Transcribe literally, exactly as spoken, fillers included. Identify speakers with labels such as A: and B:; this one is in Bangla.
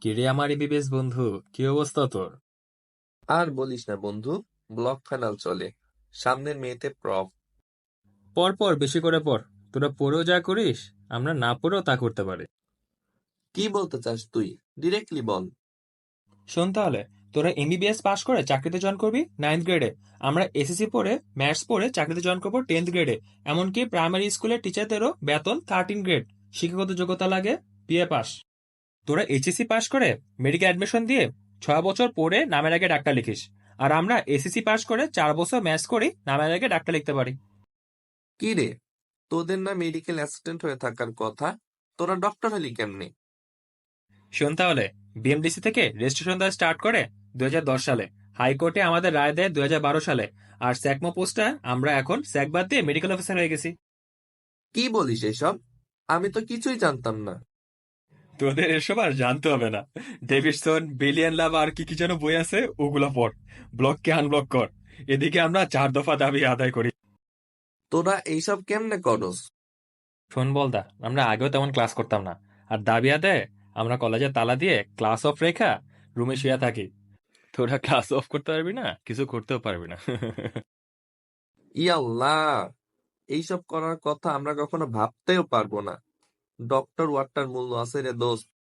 A: কিরে আমার এবিবিএস বন্ধু, কি অবস্থা তোর?
B: আর বলিস না বন্ধু। ব্লক ফাইনাল চলে, সামনের মেয়েতে প্রফ।
A: পর পর বেশি করে পড়। তোরা পড়েও যা করিস, আমরা না পড়েও তা করতে পারি।
B: কি বলতে চাস তুই? ডিরেক্টলি বল।
A: শোন তাহলে, তোরা এমবিবিএস পাশ করে চাকরিতে জয়েন করবি নাইন্থ গ্রেডে। আমরা এসএসসি পড়ে ম্যাথস পড়ে চাকরিতে জয়েন করবো টেন্থ গ্রেডে। এমনকি প্রাইমারি স্কুলের টিচারদেরও বেতন থার্টিন গ্রেড। শিক্ষাগত যোগ্যতা লাগে বিএ পাস। তোরা এইচএসসি পাশ করে মেডিকেল অ্যাডমিশন দিয়ে ছয় বছর পড়ে নামের আগে ডাক্তার লিখিস। আর আমরা এসএসসি পাশ করে চার বছর ম্যাথস করি, নামের আগে ডাক্তার লিখতে পারি।
B: কি রে, তোদের না মেডিকেল অ্যাসিস্ট্যান্ট হয়ে থাকার কথা? তোরা ডক্টর হলি কেমনে?
A: শোন তাহলে, বিএমডিসি থেকে রেজিস্ট্রেশন দেওয়া স্টার্ট করে দুই হাজার দশ সালে। হাইকোর্টে আমাদের রায় দেয় দুই হাজার বারো সালে। আর স্যাকমো পোস্টে আমরা এখন স্যাক বাদ দিয়ে মেডিকেল অফিসার হয়ে গেছি।
B: কি বলিস এসব? আমি তো কিছুই জানতাম না।
A: তোদের এসব আর জানতে হবে না। ডেভিডসন, বিলিয়ন লাভ আর কি কি যেন বই আছে, ওগুলো পড়। ব্লককে আনব্লক কর। এদিকে আমরা চার দফা দাবি আদায় করি।
B: তোরা এইসব কেমনে করস?
A: শোন বলদা, আমরা আগেও তেমন ক্লাস করতাম না। আর দাবি আদায় আমরা কলেজে তালা দিয়ে ক্লাস অফ রেখা রুমে শুয়ে থাকি। তোরা ক্লাস অফ করতে পারবি না, কিছু করতেও পারবি না।
B: ইয়াল্লাহ, এইসব করার কথা আমরা কখনো ভাবতেও পারবো না। ডক্টর ওয়াটটার মূল্য আছে রে দোস্ত।